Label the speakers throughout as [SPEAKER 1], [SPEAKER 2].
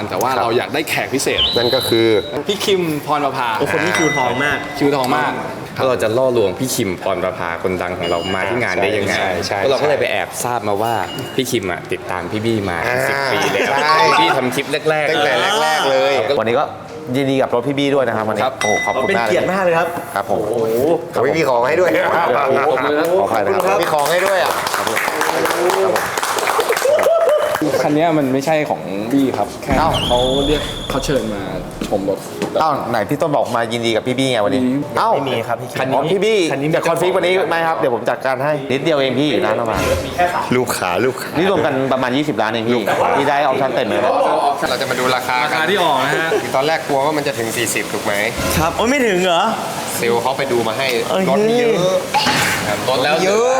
[SPEAKER 1] แต่ว่าเราอยากได้แขกพิเศษ
[SPEAKER 2] นั่นก็คือ
[SPEAKER 1] พี่คิมพรประภา
[SPEAKER 3] คนนี้คิวทองมาก
[SPEAKER 4] เราจะล่อลวงพี่คิมพรประภาคนดังของเรามาที่งานได้ยังไงเราก็เลยไปแอบทราบมาว่าพี่คิมติดตามพี่บี้มา10 ปีแล้วพี่ทำคลิปแรกๆ
[SPEAKER 2] ตั้งแต่แรกๆเลย
[SPEAKER 5] วันนี้ก็ยินดีกับรถพี่บี้ด้วยนะครับวันนี้โอ้ขอบคุณมาก
[SPEAKER 3] เป็นเกียรติมากเลยครับ
[SPEAKER 5] ครับผม
[SPEAKER 2] เขาไม่มีของให้ด้วย
[SPEAKER 5] ขอใครนะครับ
[SPEAKER 2] มีของให้ด้วย
[SPEAKER 1] คันนี้มันไม่ใช่ของบี้ครับแค่เขาเชิญมาชมรถ
[SPEAKER 5] ไหนพี่ต้นบอกมายินดีกับพี่บี้ไงวันนี้
[SPEAKER 3] ไม่มีครับพี่
[SPEAKER 5] พี่บี้จะคอนฟิกวันนี้ไหมครับเดี๋ยวผมจัดการให้นิดเดียวเองพี่ร้านประมาณ
[SPEAKER 2] ลูกขา
[SPEAKER 5] นี่รวมกันประมาณ20 ล้านเองพี่ได้ออปชั่นเต็มเลย
[SPEAKER 2] เราจะมาดูราคา
[SPEAKER 1] ที่ออกนะฮะ
[SPEAKER 2] ตอนแรกกลัวว่ามันจะถึง40ถูกไหม
[SPEAKER 3] ครับโอ้ไม่ถึงเหรอ
[SPEAKER 2] เซลเขาไปดูมาให้รถเยอะ
[SPEAKER 4] ลดแล้วเยอะ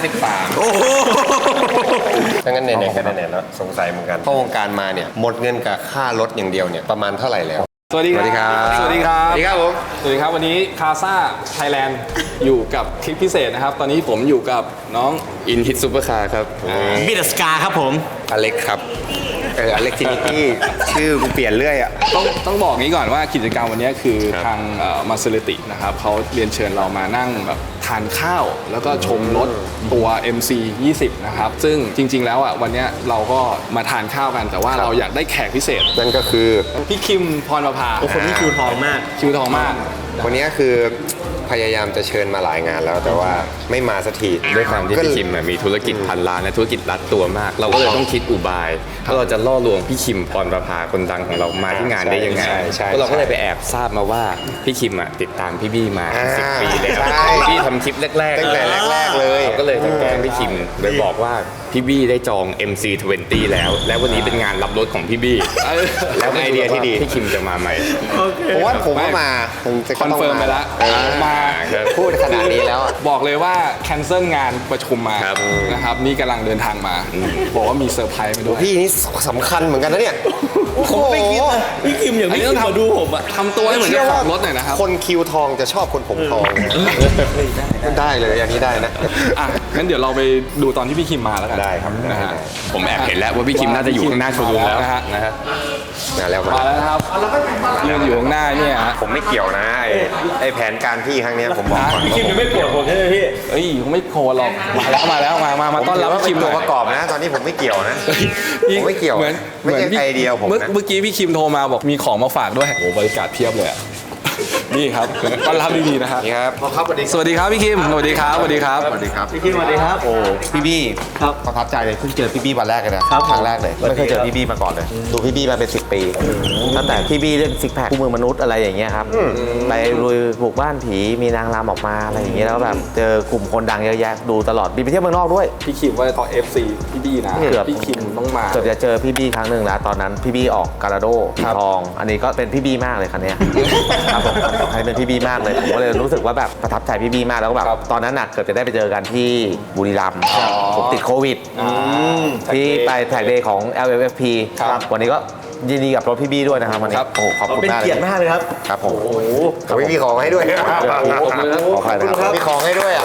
[SPEAKER 4] 53
[SPEAKER 2] ถ้างั้นไหนๆกันไหนๆแล้วสงสัยเหมือนกันเข้าวงการมาเนี่ยหมดเงินกับค่ารถอย่างเดียวเนี่ยประมาณเท่าไหร่แล้ว
[SPEAKER 1] สวัสดีครับ
[SPEAKER 2] สวัสดีครับผม
[SPEAKER 1] สวัสดีครับวันนี้คาซ่าไทยแลนด์อยู่กับคลิปพิเศษนะครับตอนนี้ผมอยู่กับน้อง
[SPEAKER 4] อินฮิตซูเปอร์คาร์ครับ
[SPEAKER 3] บิดสกาครับผม
[SPEAKER 2] อเล็กครับอเล็กทินิตี้ชื่อกูเปลี่ยนเรื่อย
[SPEAKER 1] ต้องบอกงี้ก่อนว่ากิจกรรมวันนี้คือทางมาเซเลตินะครับเขาเรียนเชิญเรามานั่งแบบทานข้าวแล้วก็ชมรถตัว MC 20นะครับซึ่งจริงๆแล้ววันนี้เราก็มาทานข้าวกันแต่ว่าเราอยากได้แขกพิเศษ
[SPEAKER 2] นั่นก็คือ
[SPEAKER 1] พี่คิมพรประภา
[SPEAKER 3] คนนี้คิวทองมาก
[SPEAKER 2] วันนี้คือพยายามจะเชิญมาหลายงานแล้วแต่ว่าไม่มาสักที
[SPEAKER 4] ด้วยความที่พี่คิมมีธุรกิจพันล้านและธุรกิจรัดตัวมากเราก็เลยต้องคิดอุบายว่าเราจะล่อลวงพี่คิมพรประภาคนดังของเรามาที่งานได้ยังไงเราก็เลยไปแอบทราบมาว่าพี่คิมติดตามพี่บี้มา10 ปีแล้วพี่ทำคลิปแรกๆ
[SPEAKER 2] ตั้งแต่แรกๆเลย
[SPEAKER 4] ก็เลยจะแกล้งพี่คิมโดยบอกว่าพี่บี้ได้จอง MC20 แล้ววันนี้เป็นงานรับรถของพี่บี้
[SPEAKER 2] แล้วไอเดียที่ดี
[SPEAKER 4] พี่คิมจะมาไหม
[SPEAKER 2] ผมว่ามา
[SPEAKER 1] คอนเฟิร์มไปแล้วมา
[SPEAKER 2] พูดขนาดนี้แล้ว
[SPEAKER 1] บอกเลยว่าแคนเซิลงานประชุมมานะครับนี่กำลังเดินทางมาบอกว่ามีเซอร์ไพรส์มาด้วย
[SPEAKER 2] พี่นี่สำคัญเหมือนกันนะเนี่ย
[SPEAKER 3] ผมไม่คิดนะพี่คิมอย่างนี้ต้องทำดูผม
[SPEAKER 1] ทำตัวให้เหมือนเจ้าของรถหน่อยนะครับ
[SPEAKER 2] คนคิวทองจะชอบคนผมทองได้เลยอย่างนี้ได้นะ
[SPEAKER 1] งั้นเดี๋ยวเราไปดูตอนที่พี่คิมมาแล้วกัน
[SPEAKER 2] ได้ครับ
[SPEAKER 1] นะฮะ
[SPEAKER 4] ผมแอบเห็นแล้วว่าพี่คิมน่าจะอยู่ข้างหน้าโชว์รูมแล้ว
[SPEAKER 1] นะฮะ
[SPEAKER 2] มาแล้ว
[SPEAKER 1] ครับยืนอยู่ข้างหน้าเนี่ย
[SPEAKER 2] ผมไม่เกี่ยวนะไอแผนการพี่ครั้งนี้ผมบอกก่อน
[SPEAKER 3] พี่คิมยังไม่โกรธผมใช่ไหมพี่
[SPEAKER 1] ผมไม่โกรธหรอกมาแล้วมาต้อนรับพี่คิม
[SPEAKER 2] ตัวประกอบนะตอนนี้ผมไม่เกี่ยวนะผมไม่เกี่ยวไม่ใช่ไอเดียผม
[SPEAKER 1] เมื่อกี้พี่คิมโทรมาบอกมีของมาฝากด้วยโอ้บริการเพียบเลยนี่ครับต้อนรับดีๆนะครับ
[SPEAKER 2] นี่ครับ
[SPEAKER 1] สวัสดีครับพี่คิมสวัสดีครับ
[SPEAKER 3] พี่คิมสวัสดีครับ
[SPEAKER 5] โอ้พี่บี้ครับประทับใจเลยเพิ่งเจอพี่บี้วันแรกเลยนะครั้งแรกเลยไม่เคยเจอพี่บี้มาก่อนเลยดูพี่บี้มาเป็น10 ปีตั้งแต่พี่บี้เรื่องซิกแพคคู่มือมนุษย์อะไรอย่างเงี้ยครับไปลุยบุกบ้านผีมีนางรำออกมาอะไรอย่างเงี้ยแล้วแบบเจอกลุ่มคนดังเยอะแยะดูตลอดบินไปเที่ยวเมืองนอกด้วย
[SPEAKER 1] พี่คิมว่าตอน FC พี่บี้นะพี่คิมต้องมา
[SPEAKER 5] เกือบจะเจอพี่บี้ครั้งหนึ่งแล้วตอนนั้นพี่บี้ออกการาโดทองอันนี้ก็เป็นพี่บี้มากเลยคันนี้ครับผมให้เป็นพี่บี้มากเลยผมก็เลยรู้สึกว่าแบบประทับใจพี่บี้มากแล้วก็แบบตอนนั้นเกิดจะได้ไปเจอกันที่บุรีรัมย์ผมติดโควิดที่ไปแท็กเดย์ของ LFFP วันนี้ก็ยินดีกับรถพี่บี้ด้วยนะครับวันนี้โอ้ขอบคุณมาก
[SPEAKER 3] เป็นเกียรติมากเลยครับ
[SPEAKER 5] ครับผม
[SPEAKER 2] เขาไม่มีของให้ด้วย
[SPEAKER 5] ขอใครนะครับ
[SPEAKER 2] มีของให้ด้วย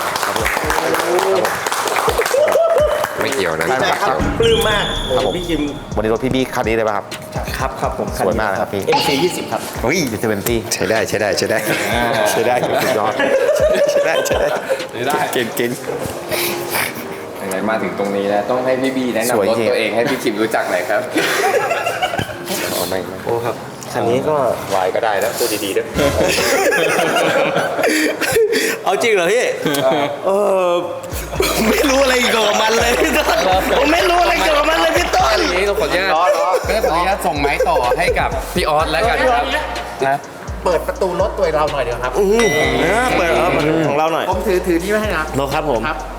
[SPEAKER 2] ไม่เกี่ยวนะ
[SPEAKER 3] ปลื้มมากพี่คิม
[SPEAKER 5] วันนี้รถพี่บี้คันนี้เลยป่ะ
[SPEAKER 3] ครับครับผม
[SPEAKER 5] สวยมากเลยครับพี่
[SPEAKER 3] MC20 ครับ
[SPEAKER 2] เฮ้ย
[SPEAKER 5] 20ใ
[SPEAKER 2] ช้ได้สุดยอดใช้ได้เก่ง
[SPEAKER 4] ไหนมาถึงตรงนี้แล้วต้องให้พี่บี้แนะนำรถตัวเองให้พี่คิมรู้จักหน่อยครับ
[SPEAKER 3] โอ้ครับคันนี้ก็
[SPEAKER 2] วายก็ได้นะพูดดีๆด้วย
[SPEAKER 3] เอาจริงเหรอพี่ไม่รู้อะไรเกี่ยวกับมันเลยพี่ต้นผมไม่รู้อะไรเกี่ยวกับมันเลยพี่ต้น
[SPEAKER 4] นี้เราขออนุญาตส่งไม้ต่อให้กับพี่ออสแล้วกันครับ
[SPEAKER 6] นะเปิดประตูรถตัวเราหน่อยเดี๋ยวครับ
[SPEAKER 3] เปิดของเราหน่อย
[SPEAKER 6] ผมถือนี่ไว้ให้นะ
[SPEAKER 3] รถครับผม
[SPEAKER 6] ครับ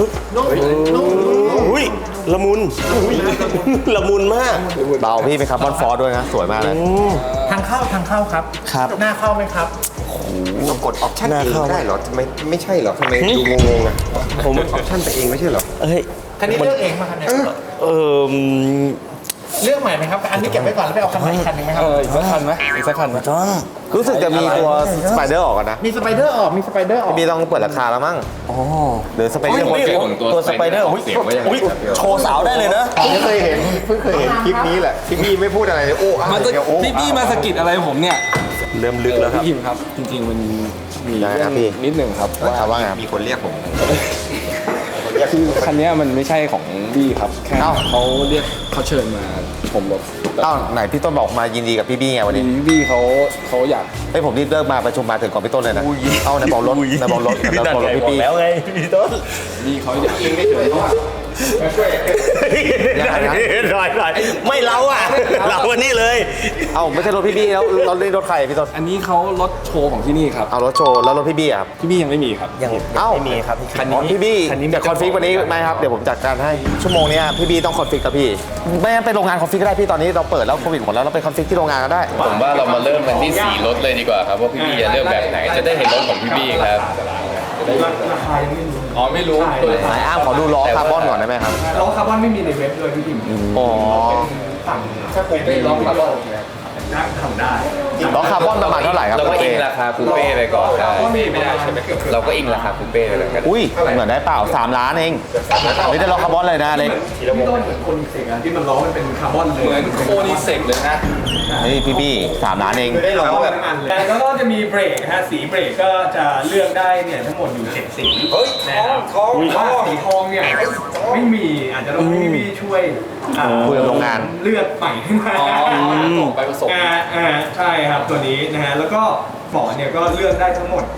[SPEAKER 3] อุ้ยละมุนละมุนมาก
[SPEAKER 5] เบาพี่เป็นคาร์บอนฟอร์ด้วยนะสวยมากเลย
[SPEAKER 6] ทางเข้าครับหน้าเข้าไหมครับ
[SPEAKER 2] เรากดออปชั่นเองได้เหรอทำไมไม่ใช่เหรอทำไมดูงงๆอ่ะผมออปชั่นไปเองไม่ใช่เหรอ
[SPEAKER 6] คันนี้เลือกเองมาคันนี้เรื่องใหม่ไหมครับ อันนี้เก็บไว้ก่อนแล้วไปเอาคันใหม่อีกคันหนึงไหมครับ
[SPEAKER 1] อีกสักคันไหมอีกสักคันไหม
[SPEAKER 5] รู้สึกจะมีตัวสไปเดอร์ออกกันนะ
[SPEAKER 6] มีสไปเดอร์ออกมีสไปเดอร์ออก
[SPEAKER 5] พี่ต้องเปิดราคาแล้วมั้งหรือสไปเดอร์
[SPEAKER 3] ตัวสไปเดอร์อุ๊ยโชว์สาวได้เลยนะ
[SPEAKER 2] ผมเคยเห็นเพิ่งเคยเห็นคลิปนี้แหละที่พี่ไม่พูดอะไรเลยโอ้อ้าว
[SPEAKER 1] มา
[SPEAKER 2] เดี๋ยวโอ้
[SPEAKER 1] พี่มาสะกิดอะไรผมเนี่ย
[SPEAKER 5] เริ่มลึกแล้วครับ
[SPEAKER 1] พี่คิมครับ จริงๆมันมี
[SPEAKER 5] ยังไงครับพี่
[SPEAKER 1] นิดหนึ่งครับว่า
[SPEAKER 5] ไง
[SPEAKER 2] มีคนเรียกผม
[SPEAKER 1] คือคันเนี้ยมันไม่ใช่ของบี้ครับแค่
[SPEAKER 5] เอ้า
[SPEAKER 1] เขาเชิญมาชมรถ
[SPEAKER 5] อ้าวไหนพี่ต้นบอกมายินดีกับพี่บี้ไงวันนี้
[SPEAKER 1] บี้เขาอยาก
[SPEAKER 5] เฮ้ยผมรีบเลิกมาประชุมมาถึงก่อนพี่ต้นเลยนะเอาไหนบอกรถไหนบอกรถไหนบอกรถพี่บี้
[SPEAKER 3] แล้วไงพี่ต้น
[SPEAKER 1] บี้เขาอยากเองได้เฉยเพราะว่า
[SPEAKER 3] หน่อยไม่เราอ่ะ เราวันนี้เลย
[SPEAKER 5] เอาไม่ใช่รถพี่บี้แล้วรถนี่รถใครพี่ต้น
[SPEAKER 1] อันนี้เขารถโชว์ของที่นี่ครับ
[SPEAKER 5] เอารถโชว์แล้วรถพี่บี้อะครับ
[SPEAKER 1] พี่บี้ยังไม่มีครับ
[SPEAKER 3] ยัง
[SPEAKER 5] เอ้า
[SPEAKER 3] ไม่มีครับ
[SPEAKER 5] อ๋อพี่บี้จะคอนฟิกวันนี้ไหมครับเดี๋ยวผมจัดการให้ชั่วโมงเนี้ยพี่บี้ต้องคอนฟิกกับพี่ไม่งั้นไปโรงงานคอนฟิกก็ได้พี่ตอนนี้เราเปิดแล้วโควิดหมดแล้วเราไปคอนฟิกที่โรงงานก็ได้
[SPEAKER 4] ผมว่าเรามาเริ่มกันที่สีรถเลยดีกว่าครับว่าพี่บี้จะเลือกแบบไหนจะได้เห็นรถของพี่บี้ครับ
[SPEAKER 1] อ๋อไม่รู้
[SPEAKER 5] ไหนอ้ามขอดูล้อคาร์บอนก่อนได้ไหมครับ
[SPEAKER 6] ล้อคาร์บอนไม่มีในเว็บเลยพี่ทิม
[SPEAKER 5] อ๋อ
[SPEAKER 6] สั่ง
[SPEAKER 1] ถ้าผมไม่ร้องคาร์บอน
[SPEAKER 6] ทำได้
[SPEAKER 5] ล้อคาร์บอนประมาณเท่าไหร่ครับ
[SPEAKER 4] เราก็อิงราคาคูเป้ไปก่อนได้
[SPEAKER 1] ไม่ได้ใช่ไหม
[SPEAKER 4] เราก็อิงราคาคูเป้ไปเลยกัน
[SPEAKER 5] อุ้ยเหมือนได้เปล่า3 ล้านเองนี่ได้ล้อคาร์บอนเลยนะเล็ก
[SPEAKER 6] พี่ต้นเหมือนคนเสกอะที่มันล้อมันเป็นคาร์บอนเลย
[SPEAKER 1] เหมือนโคนิเซกเลยนะ
[SPEAKER 5] นี่พี่บี้3 ล้านเอง
[SPEAKER 6] ได้ล้อแบบอันเลยแล้วก็จะมีเบรกนะฮะสีเบรกก็จะเลือกได้เนี่ยทั้งหมดอยู่7สีเฮ้ยทองว่าสีทองเนี่ยไม่มีอาจจะต้องให้พี่ช่วยอ่า
[SPEAKER 5] คุยกับโรงงาน
[SPEAKER 6] เลือกใหม่ขึ้นมา
[SPEAKER 1] ส่งไปผสม
[SPEAKER 6] ใช่ครับตัวนี้นะฮะแล้วก็เบาะเนี่ยก็เลือกได้ทั้งหมด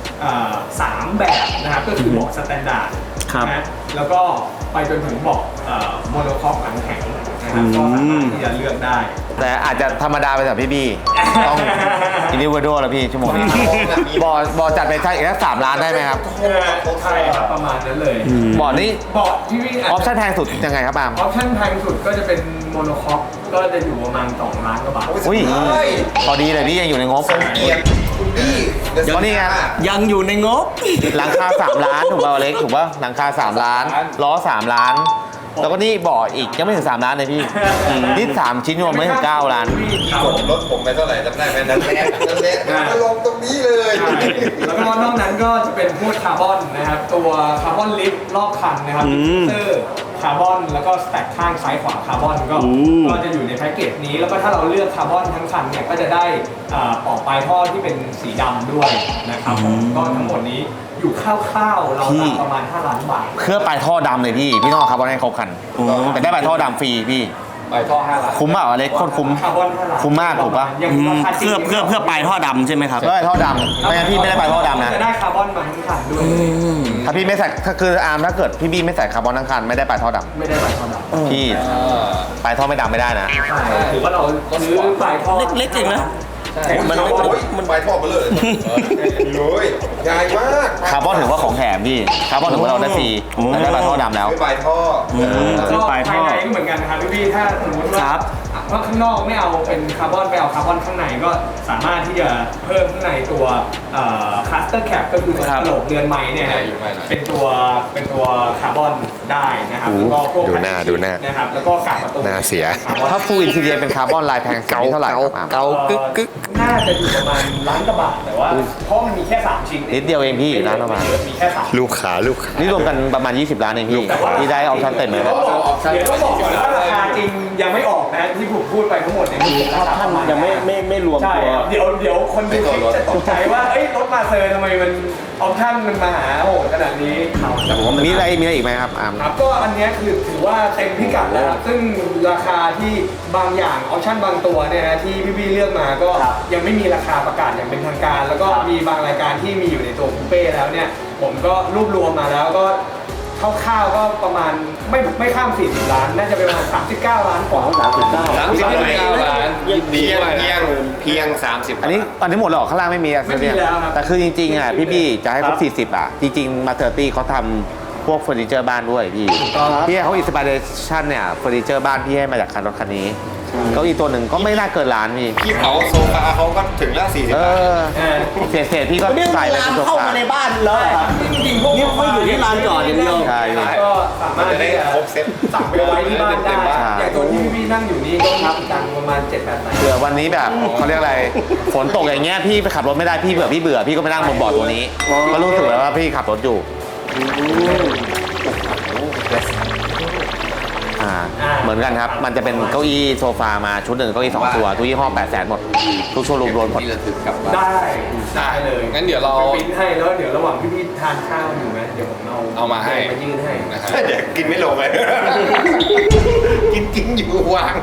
[SPEAKER 6] 3 แบบนะครับก็คือเบาะสแตนดาร์ดนะฮะแล้วก็ไปจนถึงเบาะโมโนคอปหลังแข็งนะครับก็สามารถที่จะเลือกได้
[SPEAKER 5] แต่อาจจะธรรมดาไปสำหรับพี่บี้ต้องอินดิวโดแล้วพี่ชั่วโมงนี้บอจัดไปใช่อีกสัก3 ล้านได้ไหมครับ
[SPEAKER 6] ใช่ครับประมาณนั้นเลย
[SPEAKER 5] บอนี้
[SPEAKER 6] เบาะที่วิ่ง
[SPEAKER 5] ออปชั่นแพงสุดยังไงครับอาม
[SPEAKER 6] ออปชั่นแพงสุดก็จะเป็นโมโนคอปก็จะอยู่ประมาณ2 ล้านกว่าบาท
[SPEAKER 5] อุ้ยพอดีเลยพี่ยังอยู่ในงบเพราะนี่ไง
[SPEAKER 3] ยังอยู่ในงบ
[SPEAKER 5] หลังคา3 ล้านถูกป่าวเล็กถูกป่ะหลังคา3 ล้านล้อ3 ล้าน แล้วก็นี่เบาะอีกยังไม่ถึง3 ล้านเลยพี่นี่3 ชิ้นรวมไม่ถึง9 ล้าน
[SPEAKER 2] กดรถผมไปเท่าไหร่จำได้ไหมนั่นแหละมาลงตรงนี้เลย
[SPEAKER 6] แล้วก็นอกนั้นก็จะเป็นพวกคาร์บอนนะครับตัวคาร์บอนลิฟต์รอบคันนะครับเซอร์คาร์บอนแล้วก็สแต็กข้างซ้ายขวาคาร์บอนก็จะอยู่ในแพ็กเกจนี้แล้วก็ถ้าเราเลือกคาร์บอนทั้งคันเนี่ยก็จะได้ปลอกปลายท่อที่เป็นสีดำด้วยนะครับก็ทั้งหมดนี้อยู่คร่าวๆเราประมาณ5 ล้านบาท
[SPEAKER 5] เครื่องปลายท่อดำเลยพี่ต้องเอาคาร์บอนให้ครบคันแต่ได้ปลายท่อดำฟรีพี่
[SPEAKER 1] ไปท่อ5 ล้าน
[SPEAKER 5] คุ้มเปล่าอเล็กโคตรคุ้ม
[SPEAKER 6] คาร์บอน5 ล้าน
[SPEAKER 5] คุ้มมากถูกปะ
[SPEAKER 6] ยังราคาจริง
[SPEAKER 3] เพื่อปลายท่อดำใช่ไหมครับ
[SPEAKER 5] ได้ท่อดำไม่งั้นพี่ไม่ได้ปลายท่อดำนะ
[SPEAKER 6] จะได้คาร์บอนมาทั้งคันด้วย
[SPEAKER 5] ถ้าพี่ไม่ใส่ถ้าคืออาร์มถ้าเกิดพี่บี้ไม่ใส่คาร์บอนทั้งคันไม่ได้ปลายท่อด
[SPEAKER 6] ไม่ได้ปลายท่อดำ
[SPEAKER 5] ำพี่ปลายท่อไม่ดำไม่ได้นะ
[SPEAKER 6] ใช่ถือว่าเราซื้อปลายท่อ
[SPEAKER 3] เล็กๆเองนะ
[SPEAKER 6] มัน
[SPEAKER 2] มันไปท่อมาเลยเลยใหญ่มาก
[SPEAKER 5] คาร์บอนถือว่าของแถมพี่คาร์บอนถือว่าเราได้ฟรีแต่ได้ปลายท่อดำแล้ว
[SPEAKER 2] ไม่ไปท่อ
[SPEAKER 3] ซื้อปลายท่อ
[SPEAKER 6] ภายในก็เหมือนกันนะครับพี่ถ้าสมมติว่าข้างนอกไม่เอาเป็นคาร์บอนไปเอาคาร์บอนข้างในก็สามารถที่จะเพิ่มข้างในตัวคัสเตอร์แคปก็คือตัวกระโหลกเรือนไม้เนี่ยเป็นตัวคาร์บอนได้นะครับแล้วก็พวก
[SPEAKER 2] ดูหน้า
[SPEAKER 6] นะครับแล้วก็กาบประตู
[SPEAKER 2] หน้าเสีย
[SPEAKER 5] ถ้าฟูลอินทีเรียเป็นคาร์บอนลายแพงสุดนี่เท่าไหร่ครับอาร์ม
[SPEAKER 3] เกากึก
[SPEAKER 6] น่าจะอยู่ประมาณล้านกว่าบาทแต่ว่าเพราะมันมีแค่3 ชิ้น
[SPEAKER 5] นิดเดียวเองพี่ร้านประมาณ
[SPEAKER 6] มีแค่3
[SPEAKER 2] ลูกขา
[SPEAKER 5] นี่รวมกันประมาณ20 ล้านเองพี่ที่ได้ออปชั่นเต็มเลย
[SPEAKER 6] เดี๋ยวต้องบอกก่อนว่าราคาจริงยังไม่ออกนะที่ผมพูดไปทั้งหมดเนี่ยคือราคาประมาณ
[SPEAKER 3] ยังไม่รวม
[SPEAKER 6] ใช่
[SPEAKER 3] ตัว
[SPEAKER 6] ครับเดี๋ยวคนดูคลิปจะตกใจว่าเอ้ยรถมาเซอร์ทำไมมันออปชั่นมันมาหาโหดขนาดนี้
[SPEAKER 5] แต่ผมมีอะไรอีกไหมครับอาร์ม
[SPEAKER 6] ครับก็อันเนี้ยคือถือว่าเต็มพิกัดแล้วครับซึ่งราคาที่บางอย่างออปชั่นบางตัวเนี่ยนะที่พี่ๆเลือกมาก็ยังไม่มีราคาประกาศอย่างเป็นทางการ แล้วก็มีบางรายการที่มีอยู่ในตัวคูเป้แล้วเนี่ยผมก็รวบรวมมาแล้วก็คร่าวๆก็ประมาณไม่ข้าม40 ล้านน่าจะเป็นประมาณ39 ล้านกว่า
[SPEAKER 1] 39 ล้านยินดีด้วยนะ
[SPEAKER 2] เพียง30
[SPEAKER 5] อันนี้หมดแล้วเหรอข้างล่างไม่มีอะ
[SPEAKER 6] ไม่มีแล้วครับ
[SPEAKER 5] แต่คือจริงๆอ่ะพี่บี้จะให้ครบ40อ่ะจริงๆมาเตอร์ตี้เขาทำพวกเฟอร์นิเจอร์บ้านด้วยพี่พี่ให้เขาอินสปิเรชันเนี่ยเฟอร์นิเจอร์บ้านพี่ให้มาจากคันรถคันนี้เก้าอี้ตัวหนึ่งก็ไม่น่าเกินล้านพี่
[SPEAKER 2] พี่เผาโซฟาเขาก็ถึงแล้ว40
[SPEAKER 5] เอบ
[SPEAKER 2] าท
[SPEAKER 5] อเศษพี่ก็
[SPEAKER 3] นี่
[SPEAKER 5] ใส่ไป
[SPEAKER 3] ร้าน
[SPEAKER 5] เป็นโซ
[SPEAKER 3] เข้า
[SPEAKER 5] ฟา
[SPEAKER 3] มาในบ้านแล้วเหรอครับนี่ไม่อยู่ที่ลานจอดอย่างเดียว
[SPEAKER 5] ใช่พี่
[SPEAKER 6] ก็สามารถ
[SPEAKER 2] จะได้ครบเซ็ต
[SPEAKER 6] สั่งไปไว้ที่บ้านได้
[SPEAKER 5] ใช่
[SPEAKER 6] อย่างตัวที่พี่นั่งอยู่นี่ก็รับตังค์ประมาณ 7-8 บาท
[SPEAKER 5] เผื่อวันนี้แบบเขาเรียกอะไรฝนตกอย่างเงี้ยพี่ไปขับรถไม่ได้พี่เบื่อพี่ก็ไปนั่งบนเบาะตัวนี้ก็รู้สึกแล้วว่าพี่ขับรถอยู่เหมือนกันครับ มันจะเป็นเก้าอี้โซฟามาชุดหนึ่งเก้าอี้2 ตัวทุกยี่ห้อ800,000หมดทุกโชว์รูมรวมหมด
[SPEAKER 4] ที่ระทึกกลับบ้าน
[SPEAKER 6] ได้เลย
[SPEAKER 1] งั้นเดี๋ยวเรา
[SPEAKER 6] ปริ้นให้แล้วเดี๋ยวระหว่างที่พี่ทานข้าวอยู่ไหมเดี๋ยวผมเอา
[SPEAKER 1] มาให้
[SPEAKER 6] มายื่นให้
[SPEAKER 1] นะครับ
[SPEAKER 2] เดี๋ยวกินไม่ลงเลย กินอยู่วาง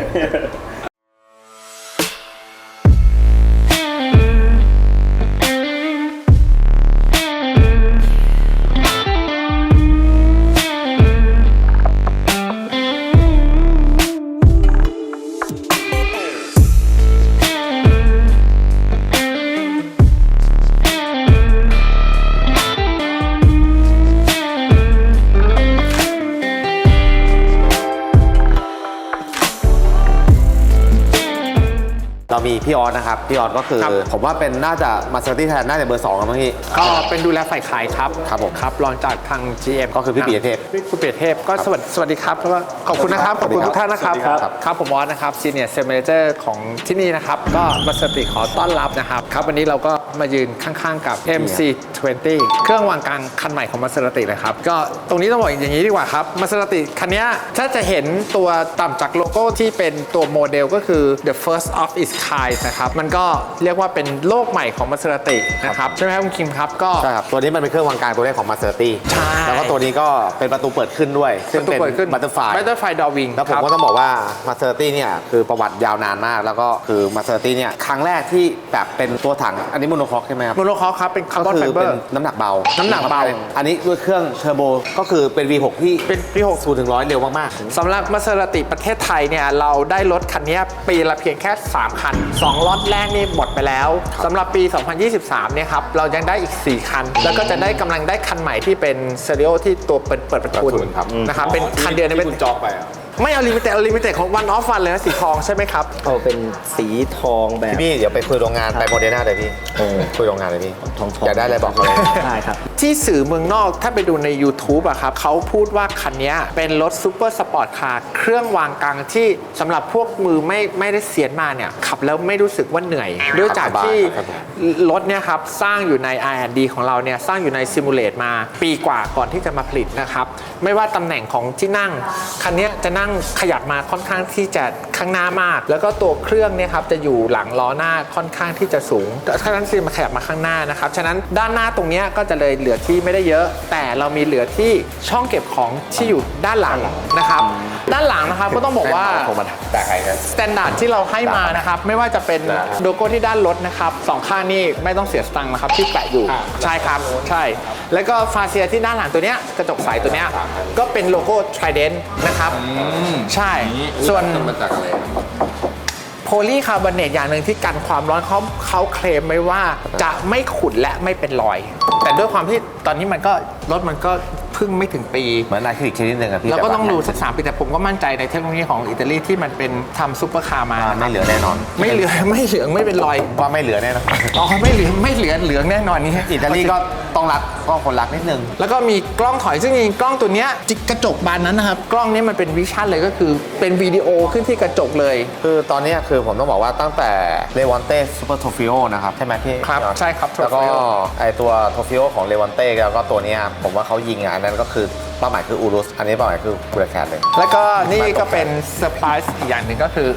[SPEAKER 5] เรามีพี่ออสนะครับพี่ออสก็คือผมว่าเป็นน่าจะมาสเตอร์ตี้แทนน่าจะเบอร์2ครับพี่
[SPEAKER 7] ก็เป็นดูแลฝ่ายขายครับ
[SPEAKER 5] ครับผม
[SPEAKER 7] ครับรองจากทาง GM
[SPEAKER 5] ก็คือพี่ปิยเทพ
[SPEAKER 7] คุณปิยเทพก็สวัสดีครับแล้วก็ขอบคุณนะครับขอบคุณทุกท่านนะครับ
[SPEAKER 5] สวัสดีครับ
[SPEAKER 7] ครับผมออสนะครับ Senior Sales Manager ของที่นี่นะครับก็มาสติขอต้อนรับนะครับครับวันนี้เราก็มายืนข้างๆกับ MC20 เครื่องวางกลางคันใหม่ของมาสติเลยครับก็ตรงนี้ต้องบอกอย่างนี้ดีกว่าครับมาสติคันนี้ถ้าจะเห็นตัวต่ำจากโลโก้ที่เป็นตัวโมเดลก็คือ the first of its kind นะครับมันก็เรียกว่าเป็นโลกใหม่ของมาสตินะครับใช่ไหมครับคุณคิมครับก็
[SPEAKER 5] ใช่ครับตัวนี้มันเป็นเครื่องวางกลางตัวแรกของมาสเตอร์ตี้
[SPEAKER 7] ใช่
[SPEAKER 5] แล้วก็ตัวนี้ก็เป็นประตูเปิดขึ้นด้วย ซึ่งเป็น
[SPEAKER 7] เปิดขึ้น
[SPEAKER 5] บัตเตอร์ไฟ
[SPEAKER 7] Butterfly Door Wing
[SPEAKER 5] แล้วผม
[SPEAKER 7] ครับ
[SPEAKER 5] ก็ต้องบอกว่ามาสเตอร์ตี้เนี่ยคือประวัติยาวนานมาก แล้วก็คือมาสเตอร์ตี้เนี่ยครั้งแรกที่แบบเป็นตัวถังอันนี้โมโนคอกใช่ไหมครับ
[SPEAKER 7] โมโนคอร์ครับเป็นคาร์บ
[SPEAKER 5] ก็
[SPEAKER 7] อน
[SPEAKER 5] คื
[SPEAKER 7] ไฟ
[SPEAKER 5] อ
[SPEAKER 7] เบอ
[SPEAKER 5] เป็น
[SPEAKER 7] ร์
[SPEAKER 5] น้ำหนักเบา
[SPEAKER 7] น้ำหนักเบา
[SPEAKER 5] อันนี้ด้วยเครื่องเทอร์โบก็คือเป็น V6 ที่
[SPEAKER 7] เป็นปี
[SPEAKER 5] 0ถึง100เร็วมากๆ
[SPEAKER 7] สำหรับมาเซราติประเทศไทยเนี่ยเราได้รถคันนี้ปีละเพียงแค่ 3 คัน 2 ล็อตแรกนี่หมดไปแล้วสำหรับปี 2023 เนี่ยครับเรายังได้อีก 4 คัน แล้วก็จะได้กำลังได้คันใหม่ที่เป็นเซเรียลที่ตัวเปิดประทุน
[SPEAKER 5] ครับ
[SPEAKER 7] นะครับเป็นคันเดียวใน
[SPEAKER 1] ที่
[SPEAKER 7] เป็น
[SPEAKER 1] คุณจองไปอ่ะ
[SPEAKER 7] ไม่เอาลิมิเต็ดของวันออฟวันเลยนะสีทองใช่ไหมครับ
[SPEAKER 3] เอาเป็นสีทองแบบ
[SPEAKER 5] พี่เดี๋ยวไปคุยโรงงานไปโมเดอร์นาเลยพี่คุยโรงงานเลยพี่
[SPEAKER 3] ทอง
[SPEAKER 5] อยากได้อะไรบอกเขาเลย
[SPEAKER 3] ได้ครับ
[SPEAKER 7] ที่สื่อเมืองนอกถ้าไปดูใน YouTube อะครับเขาพูดว่าคันนี้เป็นรถซูเปอร์สปอร์ตคาร์เครื่องวางกลางที่สำหรับพวกมือไม่ได้เสียนมาเนี่ยขับแล้วไม่รู้สึกว่าเหนื่อยด้วยจากที่รถเนี่ยครับสร้างอยู่ใน R&D ของเราเนี่ยสร้างอยู่ในซิมูเลตมาปีกว่าก่อนที่จะมาผลิตนะครับไม่ว่าตำแหน่งของที่นั่งคันนี้จะนั่งขยับมาค่อนข้างที่จะข้างหน้ามาก แล้วก็ตัวเครื่องเนี่ยครับจะอยู่หลังล้อหน้าค่อนข้างที่จะสูงฉะนั้นซีมาขยับมาข้างหน้านะครับฉะนั้นด้านหน้าตรงนี้ก็จะเลยเหลือที่ไม่ได้เยอะ แต่เรามีเหลือที่ช่องเก็บของที่อยู่ด้านหลังนะครับด้านหลังนะครับก็ต้องบอกว่า
[SPEAKER 2] แต่ใครครับ
[SPEAKER 7] สแตนดาร์ดที่เราให้มานะครับไม่ว่าจะเป็นโลโก้ที่ด้านรถนะครับสองข้างนี่ไม่ต้องเสียสตังค์นะครับที่แปะอยู่ใช่ครับใช่แล้วก็ฟาเซียที่ด้านหลังตัวเนี้ยกระจกใสตัวเนี้ยก็เป็นโลโก้ Trident นะครับใช่ส่วน
[SPEAKER 2] มาจากอะไร
[SPEAKER 7] โพลีคาร์บอเนตอย่างหนึ่งที่กันความร้อนเขาเคลมไว้ว่าจะไม่ขุ่นและไม่เป็นรอย แต่ด้วยความที่ตอนนี้มันก็รถมันก็เพิ่งไม่ถึงปี
[SPEAKER 5] เหมือนอะคริลิกชนิดหนึ่งอะพี่
[SPEAKER 7] เราก็ต้อง
[SPEAKER 5] แ
[SPEAKER 7] ดูสัก3 ปีแต่ผมก็มั่นใจในเทคโนโลยีของอิตาลีที่มันเป็นทำซุปเปอร์คาร์มา
[SPEAKER 5] ไม่เหลือแน่นอน
[SPEAKER 7] ไม่เหลืองไม่เป็นรอย
[SPEAKER 5] ว่าไม่เหลือแน่นอน
[SPEAKER 7] อ๋อไม่เหลืองแน่นอนนี่
[SPEAKER 5] อิตาลีก็ต้องรักก็คนรักนิดนึง
[SPEAKER 7] แล้วก็มีกล้องถอยซึ่งจริงๆกล้องตัวเนี้ยกระจกบานนั้นนะครับกล้องนี้มันเป็นวิชั่นเลยก็คือเป็นวิดีโอขึ้นที่กระจกเลย
[SPEAKER 5] คือตอนนี้คือผมต้องบอกว่าตั้งแต่เลว a นเต้ซูเปอร์โทฟิโอนะครับใช่ไหมพี่
[SPEAKER 7] ครับ
[SPEAKER 5] พี่ออส
[SPEAKER 7] ใช่ครับ
[SPEAKER 5] แล้วก็
[SPEAKER 7] Trofeo
[SPEAKER 5] ไอตัวโทฟิโอของเลว a นเต้แล้วก็ตัวเนี้ยผมว่าเขายิงอ่ะอันนั้นก็คือเป้าหมายคืออูรุสอันนี้เป้าหมายคือบูราแคทเลย
[SPEAKER 7] แล้วก็นี่ก็เป็นเซอร์ไพรส์อีกอย่างหนึ่งก็คือ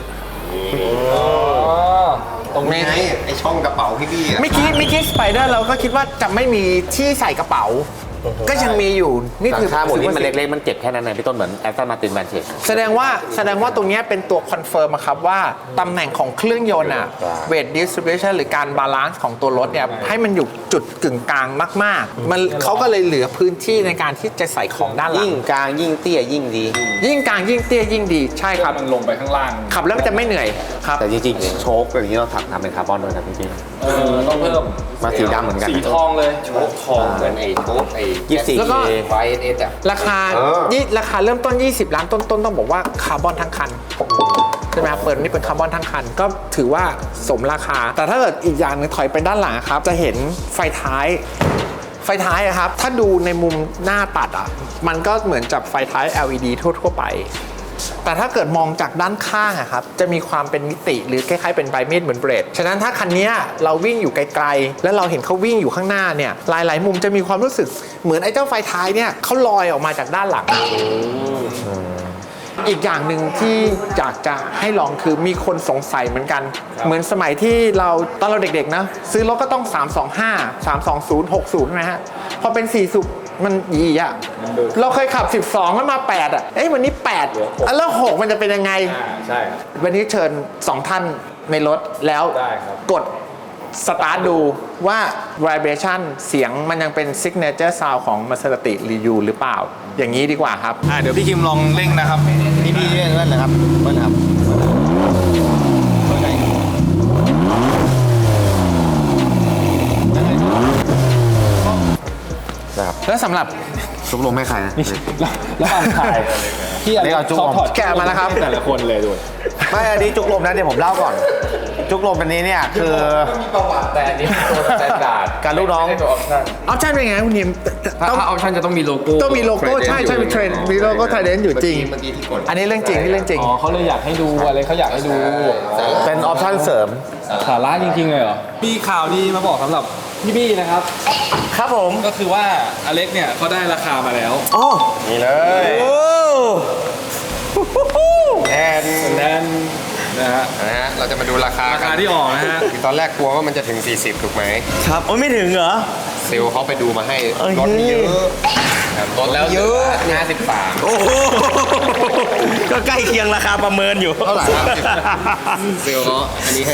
[SPEAKER 2] ตรงนี้ไงไอช่องกระเป๋าพี่ๆอะ
[SPEAKER 7] เมื่อกี้สไปเดอร์เราก็คิดว่าจะไม่มีที่ใส่กระเป๋า ก็ยังมีอยู่นี่
[SPEAKER 5] หลั
[SPEAKER 7] คื
[SPEAKER 5] ง
[SPEAKER 7] อ
[SPEAKER 5] คาหมดนี้มันเล็กๆมันเจ็บแค่นั้นเองพี่ต้นเหมือนแอสตันมาตินแมนเชส
[SPEAKER 7] แสดงว่าตรงเนี้ยเป็นตัวคอนเฟิร์มอะครับว่าตำแหน่งของเครื่องยนต์อะ
[SPEAKER 5] ครับ
[SPEAKER 7] เวทดิสทริบิวชันหรือการบาลานซ์ของตัวรถเนี่ยให้มันอยู่จุดกึ่งกลางมากๆมันเขาก็เลยเหลือพื้นที่ในการที่จะใส่ของด้านหลัง
[SPEAKER 5] ยิ่งกลางยิ่งเตี้ยยิ่งดี
[SPEAKER 7] ยิ่งกลางยิ่งเตี้ยยิ่งดีใช่ครับ
[SPEAKER 1] มันลงไปข้างล่าง
[SPEAKER 7] ขับแล้วมันจะไม่เหนื่อยครับ
[SPEAKER 5] แต่จริงๆโชคอย่างนี้เราทำเป็นคาร์บอนด้วยนะจริง
[SPEAKER 1] ต้องเพิ่ม
[SPEAKER 5] ๆมาสีดำเหมือนกัน
[SPEAKER 1] สีทองเลย
[SPEAKER 2] โชคทองเหมือนไอ้โชคไอ้
[SPEAKER 5] 24
[SPEAKER 7] แล้วก็
[SPEAKER 2] ไวเอสอะ
[SPEAKER 7] ราคาเริ่มต้น 20 ล้านต้นๆต้องบอกว่าคาร์บอนทั้งคันช่ไหมครับเปิดนี่เป็นคาร์บอนทั้งคันก็ถือว่าสมราคา แต่ถ้าเกิดอีกอย่างนึงถอยไปด้านหลังครับจะเห็นไฟท้ายอะครับถ้าดูในมุมหน้าตัดอ่ะมันก็เหมือนจับไฟท้าย LED ทั่วไปแต่ถ้าเกิดมองจากด้านข้างอะครับจะมีความเป็นมิติหรือคล้ายๆเป็นใบมีดเหมือนเบรดฉะนั้นถ้าคันนี้เราวิ่งอยู่ไกลๆแล้วเราเห็นเขาวิ่งอยู่ข้างหน้าเนี่ยหลายๆมุมจะมีความรู้สึกเหมือนไอ้เจ้าไฟท้ายเนี่ยเขาลอยออกมาจากด้านหลังอีกอย่างหนึ่งที่อยากจะให้ลองคือมีคนสงสัยเหมือนกันเหมือนสมัยที่เราตอนเราเด็กๆนะซื้อรถก็ต้อง325 320 60ใช่ไหมฮะพอเป็น4สูบมันยีอ่ะเราเคยขับ12แล้วมา8อ่ะวันนี้8แล้ว6มันจะเป็นยังไง
[SPEAKER 1] ใช่
[SPEAKER 7] วันนี้เชิญ2ท่านในรถแล้วกดสตาร์ทดูว่า vibration เสียงมันยังเป็น signature sound ของ Maserati อยู่หรือเปล่าอย่างนี้ดีกว่าครับ
[SPEAKER 1] เดี๋ยวพี่คิมลองเร่งนะครับ
[SPEAKER 3] พี่เล่นนั่นแหละครับเบิ้ลครับ
[SPEAKER 7] แล้วสำหรับ
[SPEAKER 5] จุกลมให้ใครนะ
[SPEAKER 1] แล้วความถ่ายที่อะไร
[SPEAKER 5] จุกลม
[SPEAKER 1] ถอด
[SPEAKER 7] แกะมาแล้วครับ
[SPEAKER 1] แต่ละคนเลยด้วย
[SPEAKER 5] ไม่อันนี้จุกลมนะเดี๋ยวผมเล่าก่อน จุกลมอันนี้เนี่ยคือ
[SPEAKER 4] มีประวัติแต่อันนี้ตัวสแตนดาร์ด
[SPEAKER 5] การลูกน้อง
[SPEAKER 4] ไม่ใช่ตัวออปชั่น
[SPEAKER 7] ออปชั่นเป็นไงคุณนิม
[SPEAKER 4] ถ้าออปชั่นจะต้องมีโลโก้
[SPEAKER 7] ต้องมีโลโก้ใช่มีเทรนมีโลโก้ไทเดนอยู่จริง
[SPEAKER 2] เมื่อกี้ที่กด
[SPEAKER 7] อันนี้เรื่องจริงที่เรื่องจริง
[SPEAKER 1] อ๋อเขาเลยอยากให้ดูอะไรเขาอยากให้ดู
[SPEAKER 5] เป็นออปชั่นเสริม
[SPEAKER 1] สาระจริงๆเลยเหรอมีข่าวดีมาบอกสำหรับพี่บี้นะครับ
[SPEAKER 7] ครับผม
[SPEAKER 1] ก็คือว่าอเล็กเนี่ยเขาได้ราคามาแล้ว
[SPEAKER 7] อ๋อ
[SPEAKER 2] นี่เลย
[SPEAKER 7] โอ้
[SPEAKER 2] แอน
[SPEAKER 1] แน่นนะฮะ
[SPEAKER 2] เราจะมาดูราคา
[SPEAKER 1] ราคาที่ออกนะฮะ
[SPEAKER 2] คือตอนแรกกลัวว่ามันจะถึง 40 ถูกไหม
[SPEAKER 3] ครับโอ้ยไม่ถึงเหรอ
[SPEAKER 2] เซลล์เขาไปดูมาให้
[SPEAKER 3] เอ้ย
[SPEAKER 2] รถมีเยอะ
[SPEAKER 4] ลดแล้ว
[SPEAKER 2] เยอะ
[SPEAKER 4] 53
[SPEAKER 3] โอ้โหก็ใกล้เคียงราคาประเมินอยู่
[SPEAKER 2] เท่าไหร่ครับเซลล์เขาอันนี้ให้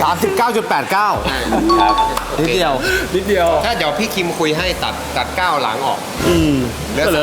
[SPEAKER 5] 39.89
[SPEAKER 3] นิดเดียว
[SPEAKER 1] นิดเดียว
[SPEAKER 2] ถ้าเดี๋ยวพี่คิมคุยให้ตัด9หลังออกเหลือ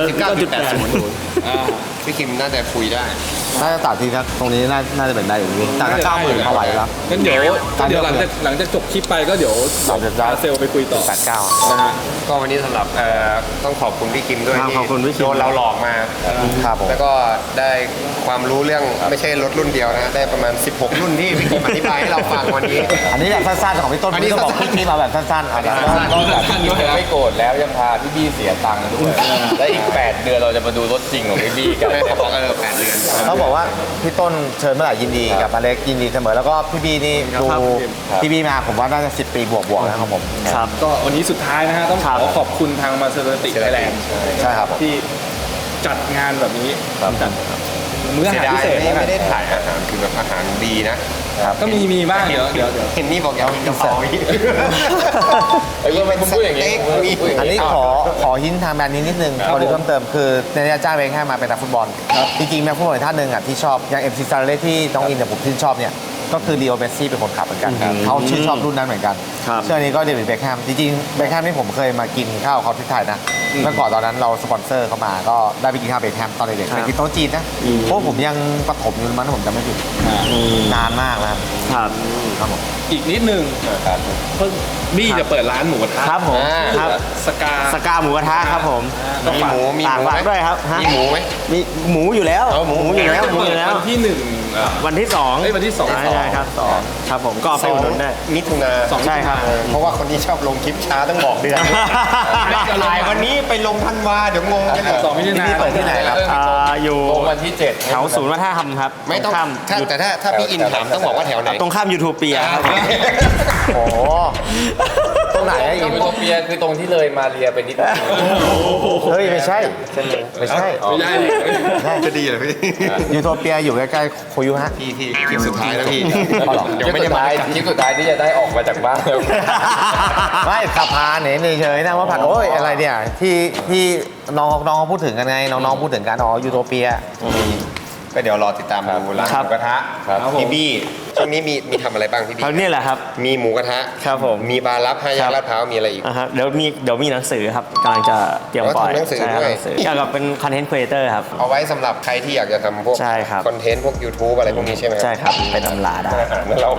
[SPEAKER 2] 39.80พี่คิมน่าจะคุยได้
[SPEAKER 5] ถ้าจะตัดทีนะตรงนี้น่าจะเป็นได้อยู่ดีตัดก็90,000เข้าไหวแล้ว
[SPEAKER 1] งั้นเดี๋ยวหลังจากจบคลิปไปก็เดี๋ยวพาเซลไปคุยต่อ
[SPEAKER 5] 89
[SPEAKER 1] นะฮะ
[SPEAKER 2] ก็วันนี้สำหรับต้องขอบคุณพี่คิมด้วย
[SPEAKER 5] ครับ
[SPEAKER 2] ที่
[SPEAKER 5] ขอบคุณพี่คิม
[SPEAKER 2] โดนเราหลอกมา
[SPEAKER 5] ครับผม
[SPEAKER 2] แล้วก็ได้ความรู้เรื่องไม่ใช่รถรุ่นเดียวนะได้ประมาณ16 รุ่นที่พี่คิมอธิบายให้เราฟังวันนี้
[SPEAKER 5] อันนี้แบบสั้นๆของพี่ต้น
[SPEAKER 2] อันนี้
[SPEAKER 5] พี่ต้องบอก
[SPEAKER 2] สั้นๆ
[SPEAKER 5] พี่มาแบบสั้นๆเอาแบบ
[SPEAKER 4] นอกจากพี่คิมจะไม่โกรธแล้วยังพาพี่บี้เสียตังค์ด้วย และอีก 8 เดือนเราจะมาดูรถจริงของพี่บี้กัน
[SPEAKER 2] เขาบอก8 เดือน
[SPEAKER 5] เขาบอกว่าพี่ต้นเชิญเมื่อไหร่ยินดีกับอเล็กยินดีเสมอแล้วก็พี่บีนี่ดูพี่บีมาผมว่าน่าจะ10 ปีบวกๆนะครับผม
[SPEAKER 3] ครับ
[SPEAKER 1] ก็วันนี้สุดท้ายนะฮะต้องขอขอบคุณทางมาเซอร์ติไทยแลนด์
[SPEAKER 5] ใช่ครับผม
[SPEAKER 1] ที่จัดงานแบบนี้จัดมื้ออา
[SPEAKER 2] เสีย
[SPEAKER 1] หาร
[SPEAKER 2] ดา
[SPEAKER 1] พิ
[SPEAKER 2] ย
[SPEAKER 1] เศษ
[SPEAKER 2] ไม่ได้ถ่ายอาหารคือแบบอาหารดีนะ
[SPEAKER 1] ก็มีบ้างเดี๋ยว
[SPEAKER 2] เห็นนี่บอกอยากกินกะเพราอีก
[SPEAKER 4] เอ้ยทำไมคุณพูดอย่างนี้
[SPEAKER 5] อันนี้ขอหินทางแบรนด์นี้นิดนึงพอดีเพิ่มเติมคือในนี้จ้างเบคแฮมมาเป็นนักฟุตบอลจริงๆนักฟุตบอลอีกท่านหนึ่งอ่ะที่ชอบอย่างMC ซาเลที่น้องอินเนี่ยผมชื่นชอบเนี่ยก็คือลีโอเมสซี่เป็นคนขับเหมือนกันเขาชื่นชอบรุ่นนั้นเหมือนกัน
[SPEAKER 3] ครับ
[SPEAKER 5] เชื่อนี้ก็เดวิดเบคแฮมจริงๆเบคแฮมนี่ผมเคยมากินข้าวเขาที่ไทยนะเมื่อก่อนตอนนั้นเราสปอนเซอร์เขามาก็ได้ไปกินข้าวเบคแฮมตอนเด็กๆไปกินโต๊ะจีนนะเพราะผมยังประถมอยู่มันผมจำไม่ผิดนานมากแล้ว
[SPEAKER 3] ครับ
[SPEAKER 5] ครับผม
[SPEAKER 1] อีกนิดนึงเพิ่งบี้จะเปิดร้านหมูกระทะ
[SPEAKER 3] ครับผมครับ
[SPEAKER 1] สกา
[SPEAKER 3] สกาหมูกระทะครับผม
[SPEAKER 2] มีหมู
[SPEAKER 3] ฝาก
[SPEAKER 2] ไหม
[SPEAKER 3] ด้วยครับฮะ
[SPEAKER 2] มีหมูไหม
[SPEAKER 3] มีหมูอยู่แล้ว
[SPEAKER 2] เอาหมู
[SPEAKER 3] อยู่แล้วหมูอยู่แล้ว
[SPEAKER 1] วันที่หนึ่ง
[SPEAKER 3] วันที่ 2
[SPEAKER 1] เอ้ยวันที่สอง
[SPEAKER 3] ใช่ครับครับผมก็เอาไปอุดหนุนได้
[SPEAKER 2] มิถุนา
[SPEAKER 3] ใช่ครับ
[SPEAKER 2] เพราะว่าคนนี้ชอบลงคลิปช้าต้องบอกเดือนถ่ายวันนี้ไปลงธันวาเดี๋ยวงงกัน
[SPEAKER 1] 2 มิถุนายน
[SPEAKER 5] เปิดที่ไหนครับ
[SPEAKER 3] อยู่
[SPEAKER 4] ลงวันที่ 7
[SPEAKER 3] แถวศูนย์วัฒนธรรมครับ
[SPEAKER 2] ไม่ต้อง
[SPEAKER 3] ข้าม
[SPEAKER 2] แต่ถ้าพี่อินถามต้องบอกว่าแถวไหน
[SPEAKER 3] ตรงข้ามยูทูเปียครับ
[SPEAKER 5] โอ้โหตรงไหนอะ
[SPEAKER 4] ยู
[SPEAKER 5] อิน
[SPEAKER 4] โทเปียคือตรงที่เลยมาเรียไปนิดนึง
[SPEAKER 5] เฮ้ยไม่ใช่ไม่ใช่
[SPEAKER 1] ไม่ใช่ดิ
[SPEAKER 2] จะดีเหรอพี่
[SPEAKER 5] ยูโทเปียอยู่ใกล้ๆโคยุฮะ
[SPEAKER 2] พี่คลิปสุดท้ายแล้วพี่
[SPEAKER 5] เอาหรอ
[SPEAKER 2] เดี๋ยว
[SPEAKER 4] คลิป
[SPEAKER 2] ไม่
[SPEAKER 4] สุ
[SPEAKER 2] ได้
[SPEAKER 4] ด
[SPEAKER 2] มา
[SPEAKER 4] ท้ายคลิปสุดท้ายที่จะได้ออกมาจากบ้าน
[SPEAKER 5] ไม่ขับพาเนี่ยเฉยๆนะว่าผัดโอ้ยอะไรเนี่ยที่น้องเขาพูดถึงกันไงน้องๆพูดถึงกันอ๋อยูโทเปีย
[SPEAKER 2] ก็เดี๋ยวรอติดตามดูร้านหมูกระทะพี่บี้ช่วงนี้มีทำอะไรบ้างพี่บี้
[SPEAKER 3] เขาเนี่ยแหละครับ
[SPEAKER 2] มีหมูกระทะ
[SPEAKER 3] ครับผม
[SPEAKER 2] มีบาร์ลับ5แยกลาดพร้าวมีอะไรอีก
[SPEAKER 3] เดี๋ยวมีหนังสือครับกำลังจะเตรียมปล่อย
[SPEAKER 2] ทำหนังสือ
[SPEAKER 3] ใช่ครับ
[SPEAKER 2] ด้วย
[SPEAKER 3] หนังสือเกี่ยวกับเป็นคอนเทนต์ครีเอเตอร์ครับ
[SPEAKER 2] เอาไว้สำหรับใครที่อยากจะทำพวก
[SPEAKER 3] ใช่ครับ
[SPEAKER 2] คอนเทนต์พวก YouTube อะไรพวกนี้ใช่ไหม
[SPEAKER 3] ใช่ครับไปตำราได้
[SPEAKER 2] อาหารแล้วเรา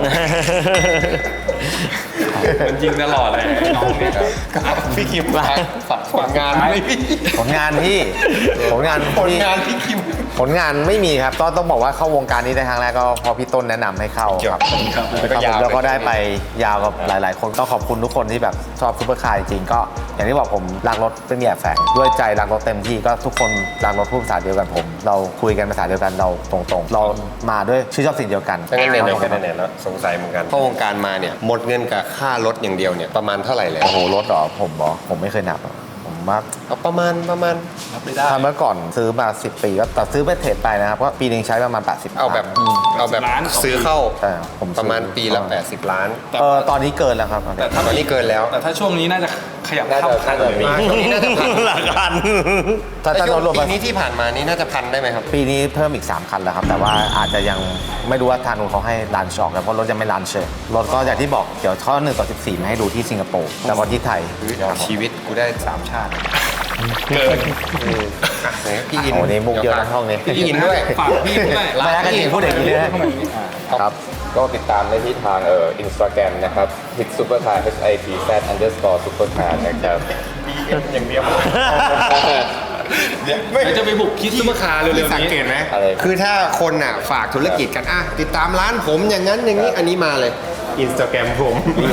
[SPEAKER 1] มันจริงตลอดเลยน้องเนี่ย
[SPEAKER 2] พี่คิมฝากผลงานไหมพี่
[SPEAKER 5] ผลงานพี่ผลงาน
[SPEAKER 2] ผล
[SPEAKER 5] พี่
[SPEAKER 2] งานพี่คิม
[SPEAKER 5] ผลงานไม่มีครับต้องบอกว่าเข้าวงการนี้ได้ครั้งแรกก็พอพี่ต้นแนะนำให้เข้าครับ
[SPEAKER 2] แล้วก็ยาว
[SPEAKER 5] แล้วก็ได้ไปยาวกับหลายๆ คนต้องขอบคุณทุกคนที่แบบชอบซุปเปอร์คาร์จริงๆก็อย่างที่บอกผมรักรถไม่มีแอบแฝงด้วยใจรักรถเต็มที่ก็ทุกคนรักรถพูดภาษาเดียวกันผม เราคุยกันภาษาเดียวกันเราตรงๆ เรามาด้วยชื่นชอบสิ่งเดียวกัน
[SPEAKER 2] ถ้างั้นไหนๆก็ไหนๆแล้วสงสัยเหมือนกันเข้าวงการมาเนี่ยหมดเงินกับค่ารถอย่างเดียวเนี่ยประมาณเท่าไหร่แล้ว
[SPEAKER 5] โอ้โหรถเหรอผมไม่เคยนับอะผมว่า
[SPEAKER 2] เอาประมาณ
[SPEAKER 5] ถ้าเมื่อก่อนซื้อมา10 ปีก็แต่ซื้อไปเทรดไปนะครับก็ปีนึงใช้ประมาณ80
[SPEAKER 2] เอาแบบซื้อเข้า
[SPEAKER 5] ใช่ผมซื้อ
[SPEAKER 2] ประมาณปีละ80 ล้าน
[SPEAKER 5] ตอนนี้เกินแล้วครับ
[SPEAKER 1] แต่ถ้า
[SPEAKER 2] ตอนนี้เกินแล้ว
[SPEAKER 1] แต่ถ้าช่วงนี้น่าจะขยับเข้าพันเลย
[SPEAKER 2] ช่วงนี้น่าจะพัน
[SPEAKER 3] หลักพัน
[SPEAKER 5] ถ้า
[SPEAKER 2] แต่ช่วง
[SPEAKER 5] รวม
[SPEAKER 2] ปีนี้ที่ผ่านมานี่น่าจะพันได้ไหมครับ
[SPEAKER 5] ปีนี้เพิ่มอีก 3 คันแล้วครับ แต่ว่าอาจจะยังไม่รู้ว่าทางนู้นเขาให้รันชออกแล้วเพราะรถยังไม่รันเชยรถก็อย่างที่บอกเดี๋ยวข้อ1/14มาให้ดูที่สิงคโปร์แล้วก็ที่ไทย
[SPEAKER 2] ชีวิตกูได้3ชาติ
[SPEAKER 1] เกิน
[SPEAKER 2] พี่อิน
[SPEAKER 5] โอ้โหนี่มุกเยอะนะห้องนี้
[SPEAKER 2] พี่อินด้วย
[SPEAKER 1] ฝากพี่ด้วย
[SPEAKER 5] ไม่ได้กันจริงพูดอย่างนี้เลยครับ
[SPEAKER 4] ก็ติดตามได้ที่ทางอินสตาแกรมนะครับ hit supercar hitz_supercar นะครับ
[SPEAKER 2] อย่างเดียว
[SPEAKER 1] เดี๋ยวจะไปบุกคิดซุปเปอร์คาร์เร็วๆนี้
[SPEAKER 2] สังเกตไหม
[SPEAKER 4] อะไร
[SPEAKER 2] คือถ้าคนอ่ะฝากธุรกิจกันติดตามร้านผมอย่างนั้นอย่างนี้อันนี้มาเลยอินสตาแกรมผม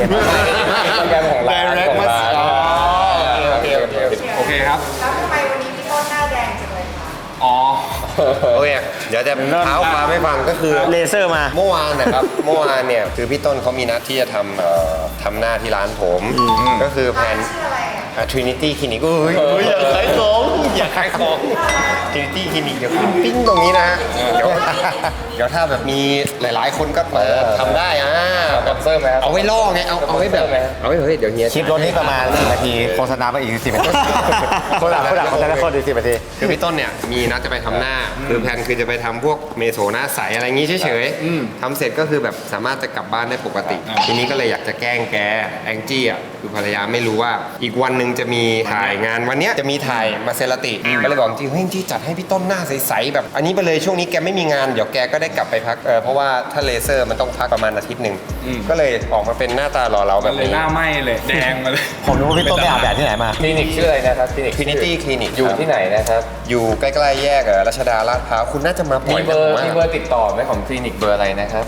[SPEAKER 4] Instagram ของร้าน
[SPEAKER 2] Direct
[SPEAKER 4] ของร้าน
[SPEAKER 2] โอเค
[SPEAKER 1] โอเคครับ
[SPEAKER 8] แล้วทำไมวันนี้พี่ต้นหน้าแดงจังเลยคะ
[SPEAKER 1] อ๋อ
[SPEAKER 2] โอเคเดี๋ยวจะเท้าความให้ฟังก็คือ
[SPEAKER 3] เลเซอร์มา
[SPEAKER 2] เมื่อวานนะครับ เมื่อวานเนี่ยคือพี่ต้นเขามีนัดที่จะทำหน้าที่ร้านผม ก็คือแผ
[SPEAKER 8] ร้าน
[SPEAKER 2] น
[SPEAKER 8] ชื่ออะไรอ่ะ
[SPEAKER 2] Trinity Clinic อย่าขายของอย่าขายของ Trinity Clinic เดี๋ยวขึ้นปิ้งตรงนี้นะฮะเดี๋ยวถ้าแบบมีหลายๆคนก็ทำได้
[SPEAKER 4] สปอนเซอร์ไหมครับ
[SPEAKER 2] เอาไว้ล่อไงเอาไว้แบบเอาไว้เฮ้ยเดี๋ยวเฮีย
[SPEAKER 5] คลิปรถนี่ประมาณ10 นาทีโฆษณาไปอีก10 นาทีคนหลังเขาจะได้คนอีก10 นาที
[SPEAKER 2] คือพี่ต้นเนี่ยมีนัดจะไปทำหน้าคือแผนคือจะไปทำพวกเมโซหน้าใสอะไรงี้เฉยๆทำเสร็จก็คือแบบสามารถจะกลับบ้านได้ปกติ ทีนี้ก็เลยอยากจะแกล้งแกแองจี้อ่ะคือภรรยาไม่รู้ว่าอีกวันหนึ่งจะมีถ่ายงานวันเนี้ยจะมีถ่ายมาเซราติก็เลยบอกจริงเฮ้ยที่จัดให้พี่ต้นหน้าใสๆแบบอันนี้ไปเลยช่วงนี้แกไม่มีงานเดี๋ยวแกก็ได้กลับไปพักเพราะว่าถ้าเลเซอร์มันต้องพักประมาณอาทิตย์หนึ่งก็เลยออกมาเป็นหน้าตาหล่อเราแบ
[SPEAKER 1] มัน
[SPEAKER 2] บ
[SPEAKER 1] เลย
[SPEAKER 2] นี้
[SPEAKER 1] หน้าไหม้เลย แดงมาเลย
[SPEAKER 5] ผมรู้ว่าพี่ต้นไปอาบแดดที่ไหนมา
[SPEAKER 4] คลินิกชื่ออะไรนะครับคลินิก
[SPEAKER 2] Trinity Clinic
[SPEAKER 4] อยู่ที่ไหนนะครับ
[SPEAKER 2] อยู่ใกล้ๆแยกรัชดาลาดพร้าวคุณน่าจะมาบ่
[SPEAKER 4] มี
[SPEAKER 2] อย
[SPEAKER 4] เบอร์
[SPEAKER 2] นะ
[SPEAKER 4] มีเบอร์ติดต่อไหมของคลินิกเบอร์อะไรนะครับ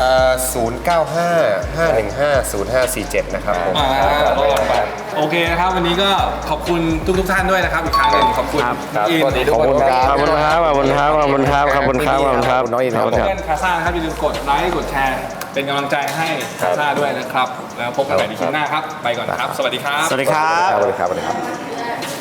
[SPEAKER 2] 095-515-0547 นะครับผม
[SPEAKER 1] โอเคนะครับ วันนี้ก็ขอบคุณทุกท่านด้วยนะครับ อีกครั้งหนึ่งขอบคุณ
[SPEAKER 4] ครับ
[SPEAKER 1] อิน
[SPEAKER 4] สวัสดีทุกคน
[SPEAKER 3] ขอบคุณครับขอบคุณครับขอบคุณครับขอบคุณครับขอบคุณครับ
[SPEAKER 5] น้องอินครับ
[SPEAKER 1] เพื่อนคาซ่านะครับอย่าลืมกดไลค์กดแชร์ เป็นกำลังใจให้คาซ่าด้วยนะครับ แล้วพบกันใหม่ในคลิปหน้าครับ ไปก่อนครับ สวัสดีครับ
[SPEAKER 3] สวัสดีครับ
[SPEAKER 5] สวัสดีครับ